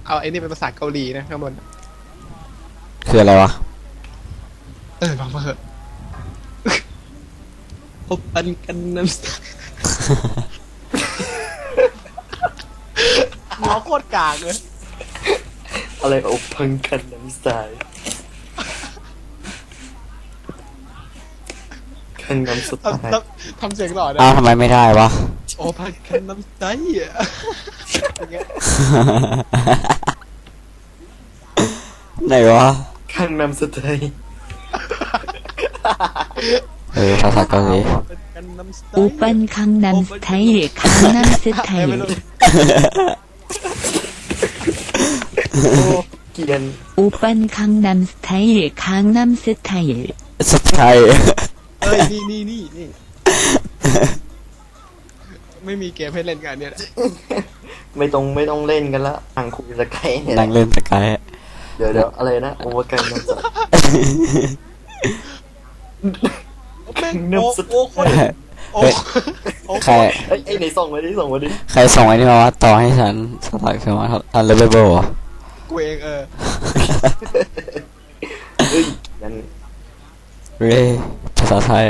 เอาไอ้นี่เป็นภาษาเกาหลีนะข้างบนคืออะไรวะฟังมาเถอะพบปันกันน้ำหมอโคตรกากเลยอะไรอบพังกันน้ำสายกันน้ำสไตล์ทำเสียงหล่อนะอ้าวทำไมไม่ได้วะโอ้พันกันน้ำใจอ่ะอย่างเงี้ยไหนวะกันน้ำสไตล์ภาษาเกาหลีเป็นกันน้ำใจ 오빤 강남 스타일, 강남 ไม่รู้ 스타일. โอ้เกรียน 오빤 강남 스타일, 강남 스타일. สไตล์นี่ไม่มีเกมให้เล่นกันเนี่ยไม่ต้องเล่นกันละทางคุยสกายเนี่ยนั่งเล่นสกายเดี๋ยวอะไรนะโอเวอร์กันน้ำสไตล์แม่งน้ำสไตโอ้ล์โคตรโอ้โอ้ใครไอ้ไหนส่งมาดิใครส่งไอ้นี่มาว่าต่อให้ฉันสลักคือว่าอันเลเวลเหรอกูเองเฮ้ยยันเร่ภาษาไทย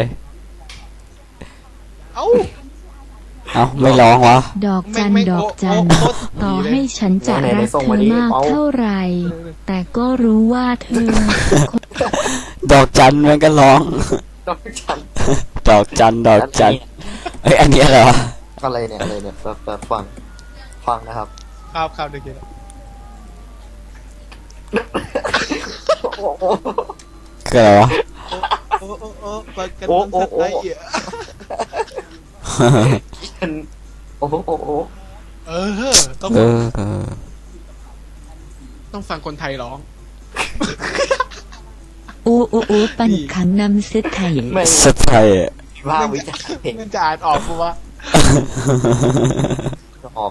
เอ้าเอ้าไม่ร้องวะดอกจันไม่ดอกจันโอ้โคตรต่อดีเลยให้ฉันจะรักเธอมากเท่าไหร่แต่ก็รู้ว่าเธอดอกจันมันก็ร้องต้องฉันดอกจันดอกจันเอ้ยอันนี้อะไรวะอะไรเนี่ยฟังนะครับครับเด็กโอ้โหคืออะไรวะโอ้ปันกันน้ำใจอ่ะโอ้โหต้องเออต้องฟังคนไทยร้อง 오빤 강남 스타일. ไม่สไตล์ว่าวิจารณ์เห็นมันจะอ่านออกกูว่าออก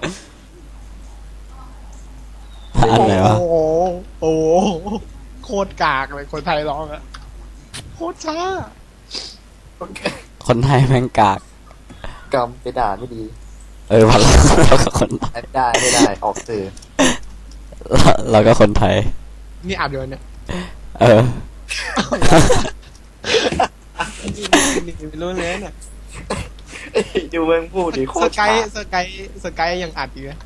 อันไหนวะโอ้โคตรกากเลยคนไทยร้องอะโคตรช้าคนไทยแม่งกากกรรมไปด่าไม่ดีพอเราก็คนไม่ได้ออกสื่อเราก็คนไทยนี่อาบเดี๋ยวเนี่ย นี่ไม่รู้เลยเนี่ยดูเมืองพูดดิโคสตรกายยังอัดอยู่นะ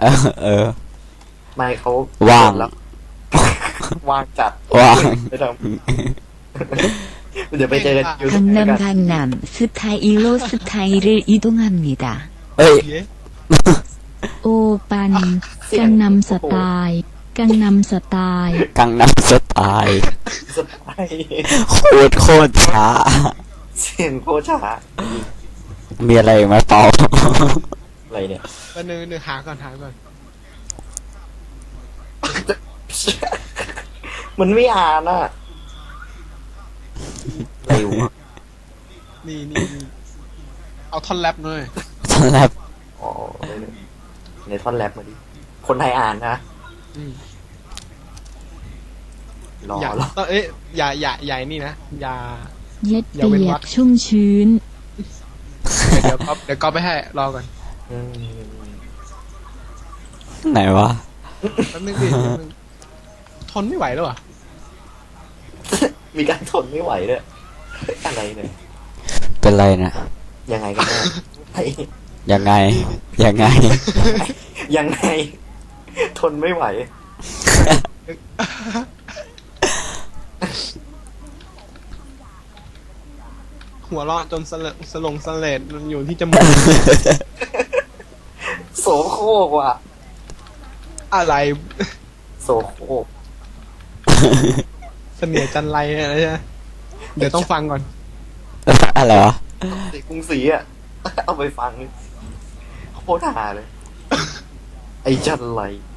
ไม่เขาว่างแล้วว่างจัดว่างไม่ทำเดี๋ยวไปเจอกันยูทูบ 강남 강남 스타일로 스타일을 이동합니다. เอ้ย 오빤 강남 스타일, 강남 스타일. กังนัมสไตล์สไตล์โคตรช้าเสียงโคตรช้ามีอะไรมาเปล่าอะไรเนี่ยวันนึงหาก่อนมันไม่อ่านอ่ะเร็วนี่เอาท่อนแรปหน่อยตอนแรกอ๋อในท่อนแรปมาดิคนไทยอ่านนะรออย่าอย่านี่นะอย่า 옛비약 춤춘 เดี๋ยวก็ไปให้รอก่อนอืมไหนวะแป๊บนึงดิทนไม่ไหวแล้วอ่ะมีการทนไม่ไหวด้วยอะไรเนี่ยเป็นไรนะยังไงกันแน่ไอ้ยังไงยังไง ทนไม่ไหวหัวเราะจนสลงสเลดมันอยู่ที่จมูกโสโครกว่ะอะไรโสโครกเสนียดจันไรอะไรใช่ไหมเดี๋ยวต้องฟังก่อนอะไรวะสีกรุงศรีอ่ะ เอาไปฟังโคตรหาเลย ไอ้จันไร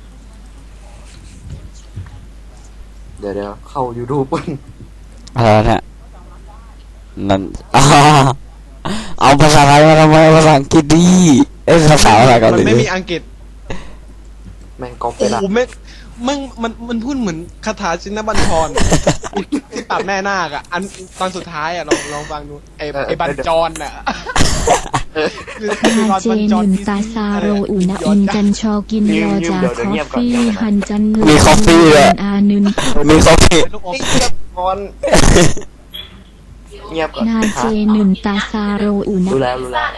เดี๋ยวเข้า YouTube ปุ่นอะไรเนี่ยนั่นเอาภาษาไทยมาทำไมภาษาอังกฤษดีภาษาอะไรเกาหมันลีไม่มีอังกฤษแม่งก๊อปไปโอ้ละโหมันพูดเหมือนคาถาชินบัญชรที่ปราบแม่นาคอ่ะอันตอนสุดท้ายอ่ะลองฟังดูไอ้บัญจรอ่ะนาเจนุนตาซาโรอุณอินกันชอกินยอจาคอฟฟี่ฮันจันเงมีคอฟฟี่ด้วยอานึนมีคอฟฟี่ลูกอมเงียบก่อนเงียบก่อนนาเจนุนตาซาโรอุณรู้แล้วรู้แล้ว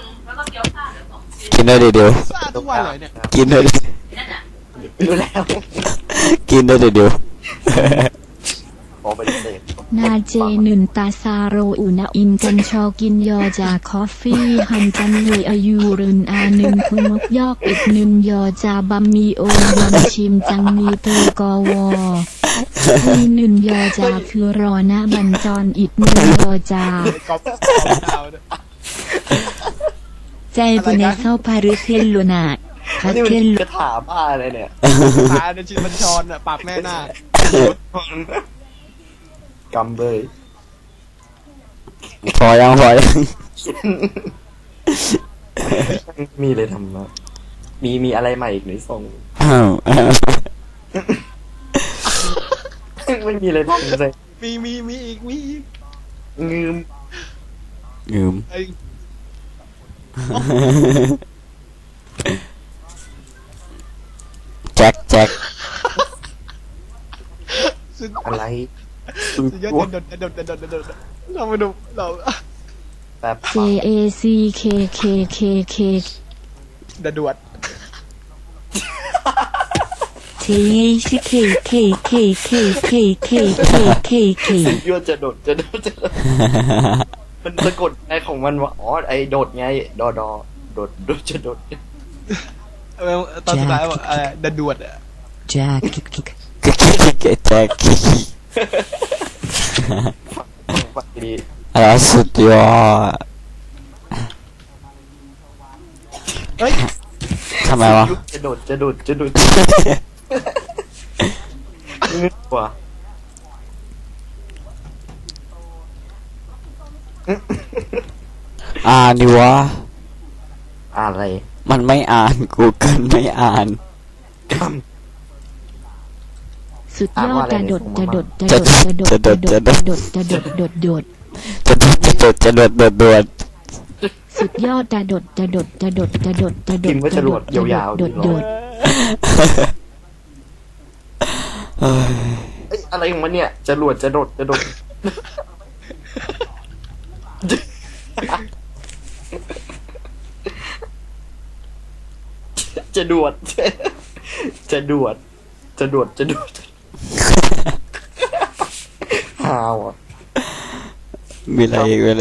กินด้วยเดี๋ยวซ่าทุกวันเลยเนี่ยกินด้วยรู้แล้วกินด้วยเดี๋ยวขอไปเสพนาเจนุนตาซาโรอุณอินกันชอกินยอจาคอฟฟี่ฮันจันเลยอายุรุนอานึนคุมกยอกอีกนึนยอจาบัมมีโอยอนชิมจังมีเตอกอวอที่นึนยอจาคือรอนะบัญจรอีกนึนยอจากอบดาวเนี่ยใจปุเนเข้าพารุเทลลุนาพัดนี่เทมันลลุกระถาบ้าอะไรเนี่ยตาในชินบัญชรอ่ะปากแม่หน้ากำเบยพอยังมีเลยทำมามีอะไรใหม่อีกหรือส่งอ้าวไม่มีอะไรทำเลยมีอีกมีอีกงืมลืมไอ้แจ็คสุดอะไรสุดยอดเด็ดเรามาดูเราแบบ J A C K K K K เดือด T H K K K K K K K K K ยั่วจะโดดมันสะกดไอของมันว่าอ๋อไอโดดไงโดดจะโดดตอนสุดท้ายบอกอะไรเดือดอ่ะ Jack แจ็คฟังดีอะไรสุดยอดเฮ้ยทำไมวะยั่วจะโดดงึดกว่าอ่านดิวะอะไรมันไม่อ่าน Google ไม่อ่านกสุดยอดจะดดจะดดจะดดจะดดจะดดจะดดจะดดดดจะโดดสุดยอดจะดดจะดดจะดดจะดดจะดพิดมพ์ว่าจะรวดยาวๆดดดดเฮ้ยเอ้ยอะไรของมันเนี่ยจะรวดจะโดดจะดวดฮาวอ่ะมีอะไรอีกไหม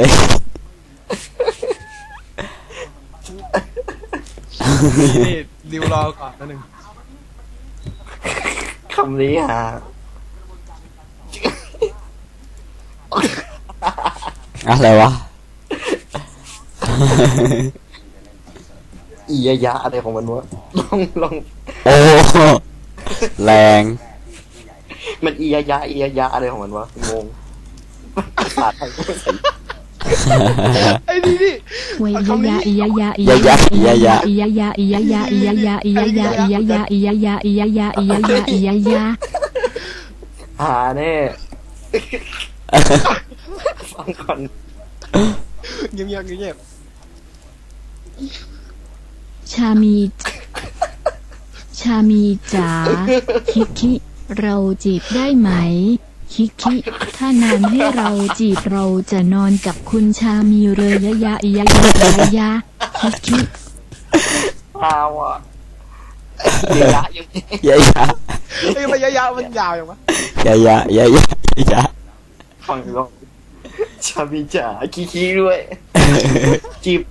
นี่ดิวรอก่อนนิดนึงคำนี้ฮาอะไรวะอียะอะไรของมันวะลองโอ้แรงมันอียะอะไรของมันวะงงภาษาไทยก็ไม่ใส่ไอ้นี่เวยยะอียะยะอียะยะอียะยะอียะยะอียะยะอียะยะอียะยะอียะยะอียะยะอียะยะอียะยะอียะยะหาแน่ฟังก่อนเงียบชามีจ๋าคิเราจีบได้ไหมคิถ้านานให้เราจีบเราจะนอนกับคุณชามีเลยยะอียะยะอียะยะคิฮาวอ่ะอียะยังไงยะไอ้มันยาวมันยาวอย่างวะยะฟังลองชาบีจ๋าคีด้วยจีบ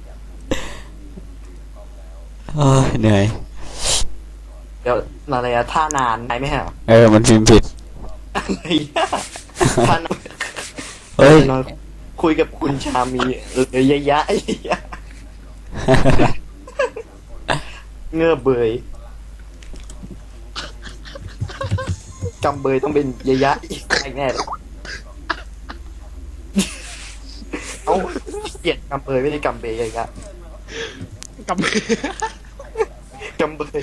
โอ้ยเหนื่อยเดี๋ยวอะไรอะท่านานไหมฮะมันพิมพ์ผิดอะไรอะท่านานเฮ้ยนอนคุยกับคุณชามียะเงือบเบยกำเบยต้องเป็นยะอีกแน่เลยเอาเกลียดกำเบยไม่ได้กำเบยยะกับกำเบย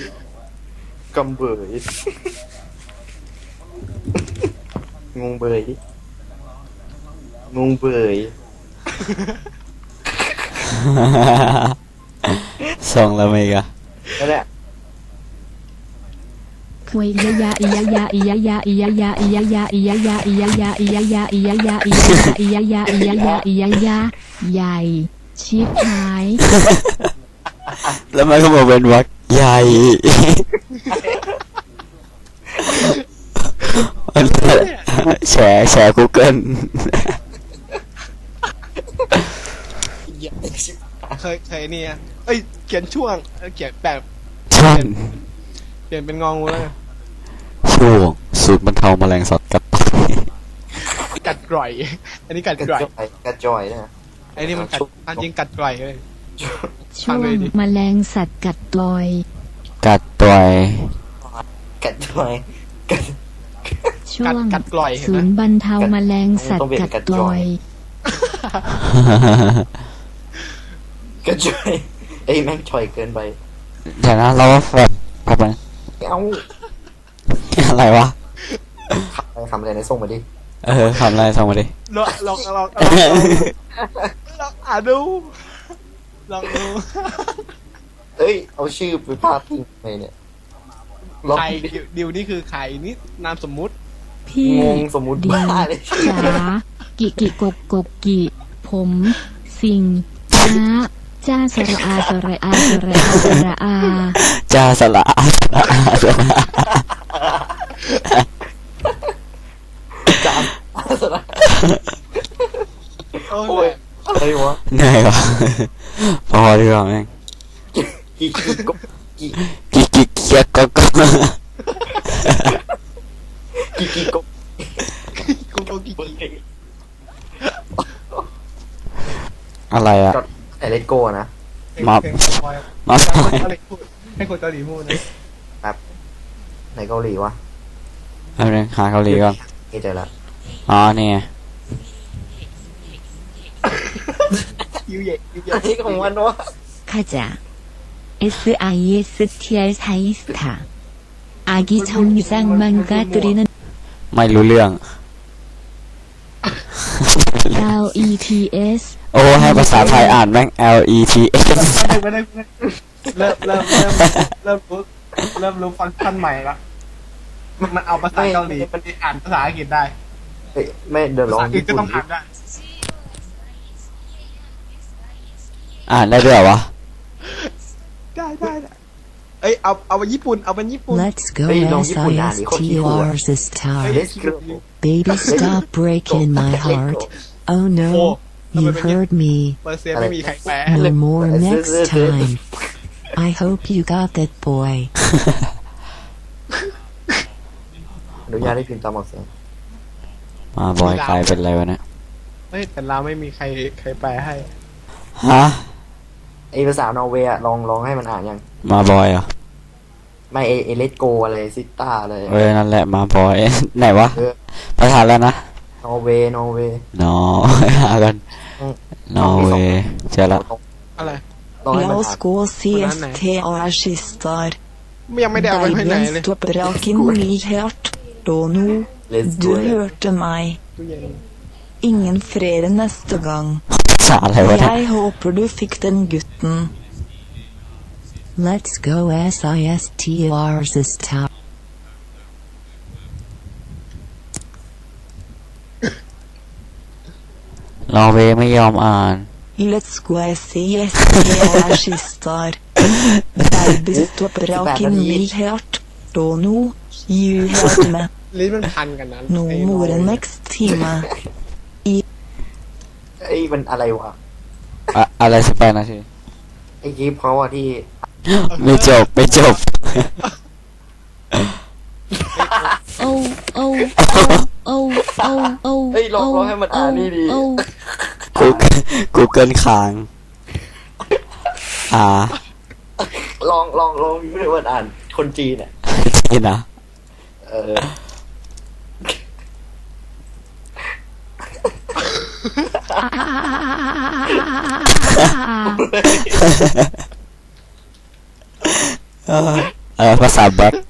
งงเบยส่งแล้วไหมกะนั่นแหละควยยะยะอียะยะอียะยะอียะยะอียะยะอียะยะอียะยะอียะยะอียะยะอียะยะอียะยะอียะยะอียะยะใหญ่ชิบหายแล้วมันก็มาเป็นวักใหญ่แชร์ Google เคยเนี่ยเอ้ยเขียนช่วงเขียนแบบช่วงเปลี่ยนเป็นงองูแล้วช่วงสูตรบรรเทาแมลงสัตว์กัดต่อยกัดกร่อย อันนี้กัดกระกร่อยจอยกระจอยนะไอ้นี่มันกัดอันจริงกัดกร่อยเลยช่วงแมลงสัตว์กัดต่อยกัดต่อยกระจอยกระช่วงกัดกร่อยเห็นศูไหมนย์บรรเทาแมลงสัตว์กัดต่อยกระจอยไอ้แม่งชอยเกินไปเดี๋ยวนะเราแบบแบบนั้นเอ้าอะไรวะคำอะไรนะส่งมาดิทำอะไรส่งมาดิลองอ่านดูลองดูเอ้ยเอาชื่อไปพาดพิงไปเนี่ยลองใครดิวนี่คือใครนี่นามสมมุติพี่งงสมมุติดิบ้าว เลยจ๋ากิกกกิ ผมสิงนะจ้าสระอาสระอาสระอาสระอาจ้าสละอาสละอาสละจามสระโอ้โอ้ยยอะไรวะเหนื่อยวะพอดีกว่าแม่งกี่กบกี่กิ๊กเคียกก็กี่กบกูกี่อะไรอะจอดไอเลโก้นะมาให้คนเกาหลีพูดนะในเกาหลีวะเอาเรื่องหาเกาหลีก่อนเจอละอ๋อนี่ไงยูเย่อันนี้ของมันวะ 가자 SISTR 사이스타 아기 정상만가 끓이는 ไม่รู้เรื่อง LETS โอ้ให้ภาษาไทยอ่านแม่ง LETS ไม่ได้เริ่มรู้ฟังก์ชันใหม่ละมันเอาภาษาเกาหลีมันอ่านภาษาอังกฤษได้เฮ้ยไม่เดี๋ยวลภาองษาอังกฤษญี่ก็ปุ่นต้องอ่านได้อ่านได้ด้วยเหรอวะได้เอ้ยเอาไปญี่ปุ่นเอาไปญี่ปุ่น Let's go Hey, don't you put that, you call SISTR this เฮ้ย time. เลสโก Baby, stop breaking my heart. Oh no, you heard me. เปอร์เซียไม่มีใครแปล No more next time. I hope you got that boy. อนุญาตให้พิมพ์ตามออกเสียงมาบอยใครเป็นอะไรวะเนี่ยเฮ้ยแต่เราไม่มีใครแปลให้ฮะไอภาษานอร์เวย์อะลองให้มันอ่านยังมาบอยเหรอไม่เอเลสโกอะไรซิต้าอะไรนั่นแหละมาบอย ไหนวะเออประธานแล้วนะนอร์เวย์นอหากันอืมนอร์เวย์เจอละอะไรลองให้มัน La อ่า oss น gå CSTR sistar. ยังไม่ได้เอาไปให้ไหน Bergen เลย stopper raken helt. Og nå, Let's du go hørte meg. ตู้เย็น Ingen flere neste gang. ภาษาอะไรวะเนี่ย Jeg håper du fikk den gutten. Let's go SISTR this time. นอร์เวย์ไม่ยอมอ่าน Let's go SISTR sistar. Baby stopper raken helt. Og nå, you hørte meg. ลิ้นมันพันกันนั้น No more next time. ไอ้มันอะไรวะอะไร18 นาทีไอ้คลิปเขาอะที่ไม่จบโอ้โอ้โอ้โอ้โอ้เฮ้ยลองให้มันอ่านนี่ดี Google ค้างลองไม่รู้ว่าอ่านคนจีนอะนี่นะเออภาษาแบ็ค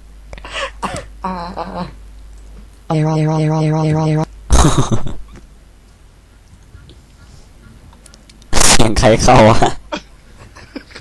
เสียงใครเข้าอะ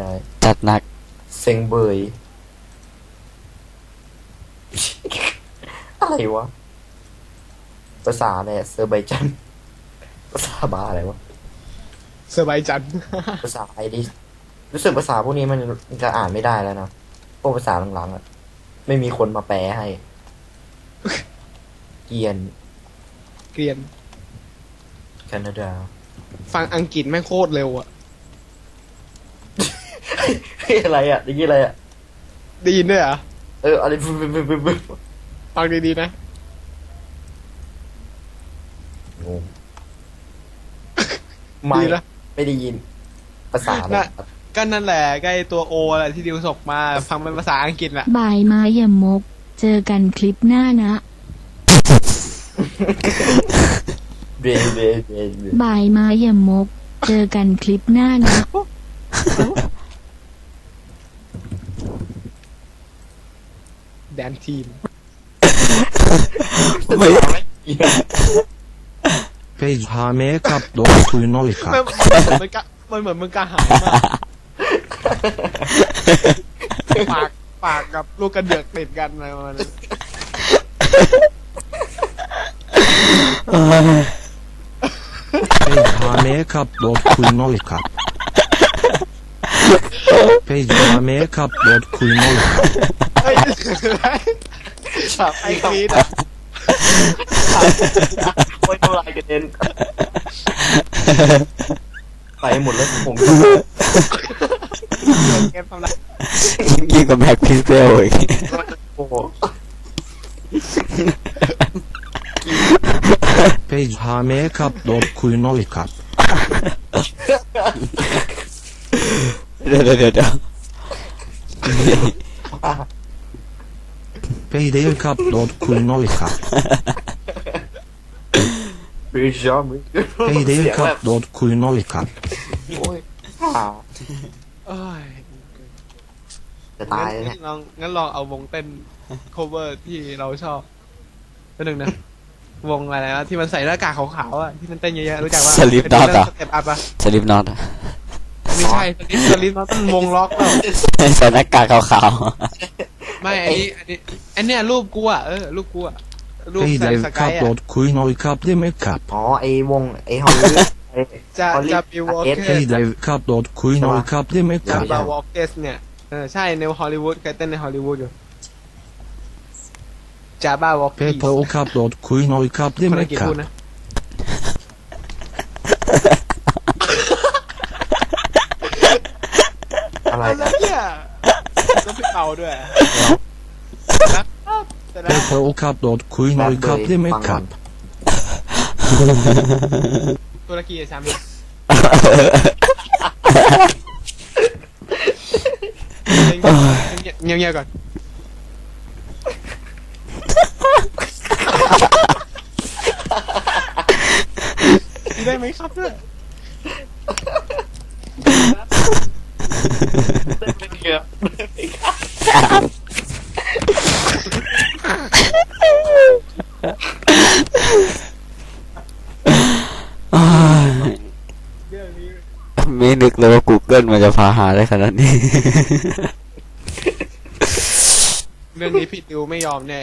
ได้จัดหนักเซ็งเบย อะไรวะ ภาษาเนี่ยเซอร์ไบจัน ภาษาบ้าอะไรวะเซอร์ไบจันภาษาไอริสรู้สึกภาษาพวกนี้มันจะอ่านไม่ได้แล้วนะพวกภาษาหลังๆอ่ะ ไม่มีคนมาแปลให้ เกียนเกรียนแคนาดาฟังอังกฤษแม่งโคตรเร็วอะเฮ้ยอะไรอ่ะนี่อะไรอ่ะได้ยินด้วยเหรออะไรบึ้บฟังดีๆนะงงไม่ดีนะไม่ได้ยิน ภาษาอะไรน่ะ ก็นั่นแหละใกล้ตัวโออะไรที่ดิวส่งมา ฟังเป็นภาษาอังกฤษแหละบายไม้อย่ามก เจอกันคลิปหน้านะเบรเบรเบรเบรบายไม้อย่ามก เจอกันคลิปหน้านะแดนทีมไม่ Page har makeup då kull noll มันเหมือนมึงกะหายมากปากกับลูกกระเดือกติดกันอะไรประมาณนั้น Page har makeup då kull noll Page har makeup då kull noll เฮ้ยฉับไอ้กรีดอะโอ้ยน้ำลายกระเด็นไปหมดแล้วผมเกมทำไรยิ่งกว่าแบ็คพิกเซลอีกโอ้โห Page har makeup då kull noll เดี๋ยว Page makeup då kull noll บริจอม Page makeup då kull noll โอ้ยเอ้ยจะตายแล้วเนี่ยงั้นลองเอาวงเต้น cover ที่เราชอบตัวหนึ่งนะ วงอะไรนะที่มันใส่หน้ากากขาวๆอ่ะที่มันเต้นเยอะๆรู้จักว่าสลิปน็อตอ่ะสเต็ปอัพอ่ะสลิปน็อตไม่ใช่สลิปน็อตต้องวงล็อกแล้วใส่หน้ากากขาวไม่อันนี้รูปกูอ่ะรูปกูอ่ะรูป Page ใส่สกาย makeup อ่ะ då kull noll det makeup อ๋อไอ้วงไอ้ฮอลลีวูดจะมีวอลเกส Page makeup då kull noll det จะ makeup บาวอลเกสเนี่ยใช่ในฮอลลีวูดเคยเต้นในฮอลลีวูดอยู่จาบ้าวอลเกส Page makeup då kull noll det คนอังกฤษพูด makeup นะอะไรอะไรนะเนี่ยต้องพี่เป่าด้วยนะครับแต่แล้ว Pepper o kap dot คุยหน่อยครับได้ไหมครับตุรกีอะชามีเงียบๆก่อนได้ไหมครับเนี่ยไม่เกี่ยวเรื่องนี้ไม่นึกเลยว่า Google มันจะพาหาได้ขนาดนี้เรื่องนี้พี่ติวไม่ยอมแน่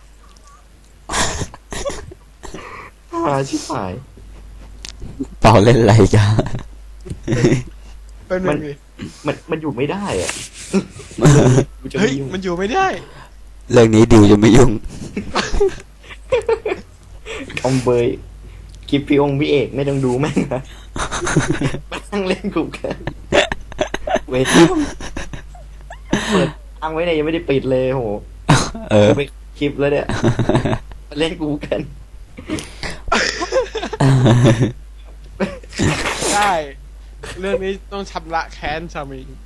หาชิบหายเป่าเล่นอะไรกันเป็นมันดิมันอยู่ไม่ได้อ่ะกูจะเฮ้ยไม่ยุ่งมันอยู่ไม่ได้เรื่องนี้ดิวจะไม่ยุ่งอมเบยคลิปพี่องค์พี่เอกไม่ต้องดูแม่งนะมานั่งเล่นกูกันเวทีเปิดอังไว้เนี่ยยังไม่ได้ปิดเลยโหเออไปคลิปแล้วเนี่ยมาเล่นกูกันได้ เรื่องนี้ต้องชำระแค้นชามิง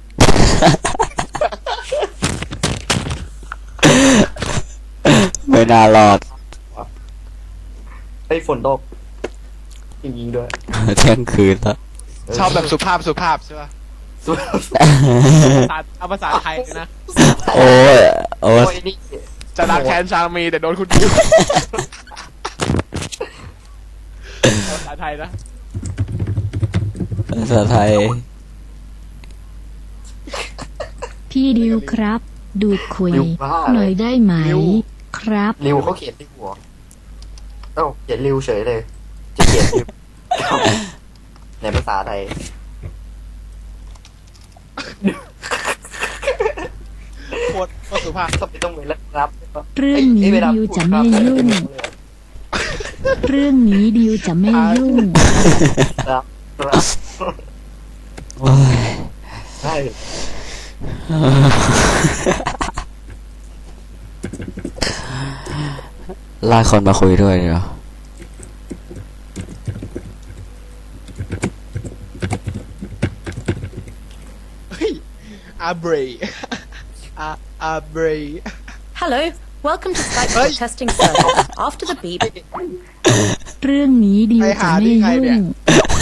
ไม่น่ารอดไอ้ยฝนตกจริงๆด้วยเที่ยงคืนแล้วชอบแบบสุภาพใช่ป่ะส่วนเอาภาษาไทยเลยนะโอ้ยโอ้โอ้ยยนี่จะรักแค้นชามีแต่โดนคุณดิวภาษาไทยนะภาษาไทยพี่ดิวครับ ดูดคุยริวบ้าหเลน่อยยได้ไหม ครับริวเขาเขียนที่หัวเอ้าเขียนริวเฉยเลย จะเขียนริวในภาษาไทยโคตรสุภาพก็ไม่ต้องไปรับเรื่องนี้ดิวจะไม่ยุ่ง เรื่องนี้ดิวจะไม่ยุ่งครับครับโอ้ยใช่ลากคนมาคุยด้วยเดี๋ยวเฮ้ยอาเบรอาเบร Hello, welcome to Skype Hey. testing service. After the beep, เรื่องนี้ดิวจะไม่ยุ่ง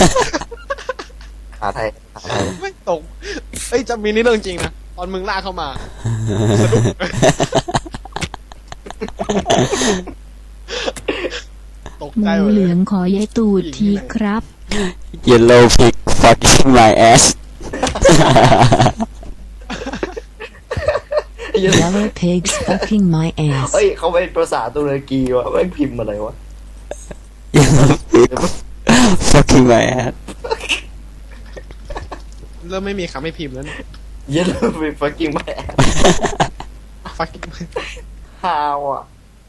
หาไทยหาไทยไม่ตกเอ้ยจะมีนี่เรื่องจริงนะ ตอนมึงลากเข้ามาสะดุ้งตกหใจมูหมดเหเลลืยองขอยายตูดทีครับ Yellow pig fucking my ass Yellow pigs fucking my ass. เฮ้ยเขาเป็นภาษาตุรกีวะแม่งพิมพ์อะไรวะ Yellow pig fucking my ass เริ่มไม่มีคำให้พิมพ์แล้วเนี่ยเยันเลยไป fucking แม่ฟักฮาวอ่ะ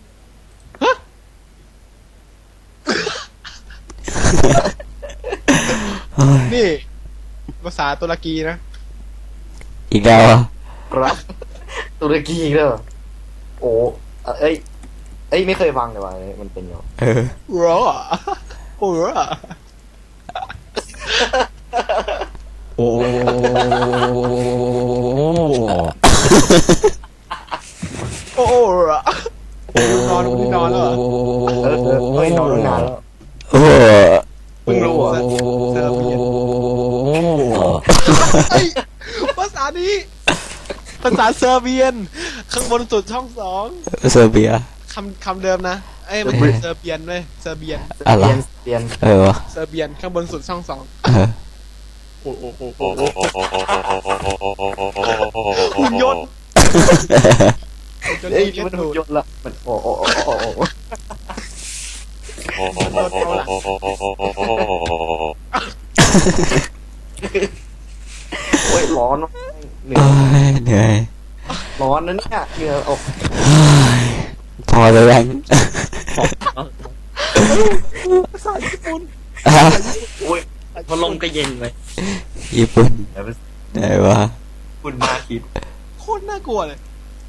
นี่ ภาษาตุรกีนะอีกแล้วอ่ะครับตุรกีอีกแล้วเหรอโอ้เอ้ยไม่เคยฟังเลยว่ะมันเป็นยังไงเออรอโอ้รอโอ้โอ้รอนอนคุณนอนแล้วเหรอเฮ้ยนอนตั้งนานแล้วโอ้เพิ่งรู้อ่ะเซอร์เบียนเฮ้ยภาษานี้ ภาษาเซอร์เบียน ข้างบนสุดช่องสองเซอร์เบียคำเดิมนะ เอ้ยมันเป็นเซอร์เบียนเว้ยเซอร์เบียนอะไรเปลี่ยนเออวะเซอร์เบียนข้างบนสุดช่องสองเออโอ้โหหุ่นยนต์หุ่นยนต์เอ้ยที่มันดูหุ่นดยนต์ละมันโอ้ โอ้ยร้อนเหนื่อโอ้ยยเหนื่อยร้อนนะเนี่ยเหงื่อออกพอแล้วยังภาษาญี่ปุ่นฮะโอ้ยพัดลมก็เย็นเลยญี่ปุ่นไหนวะคุณน่าคิดโคตรน่ากลัวเลย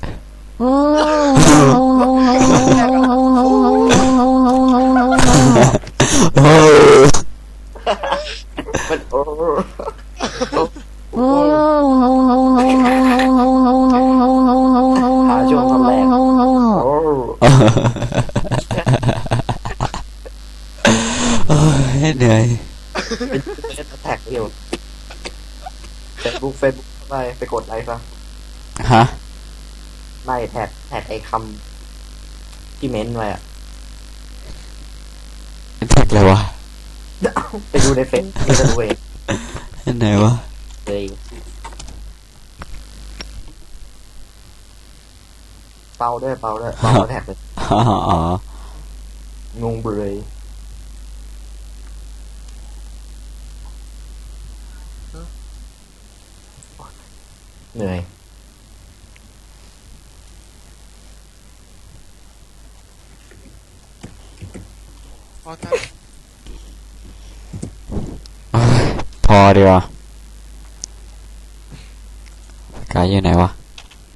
โอ้มันโอ้หาช่วงตอนแรกโอ้เหนื่อยเป็นแท็กเดียวเฟซบุ๊กไปกดไลค์ซะฮะไม่แท็กไอ้คำที่เม้นไว้อะแท็กเลยวะไปดูในเฟซนี่จะดูเองไหนวะเลยเป่าด้วยเป่าแท็กเลยอ๋องงเบยเหนื่อยพอท่าพอดีกว่า กายอยู่ไหนวะ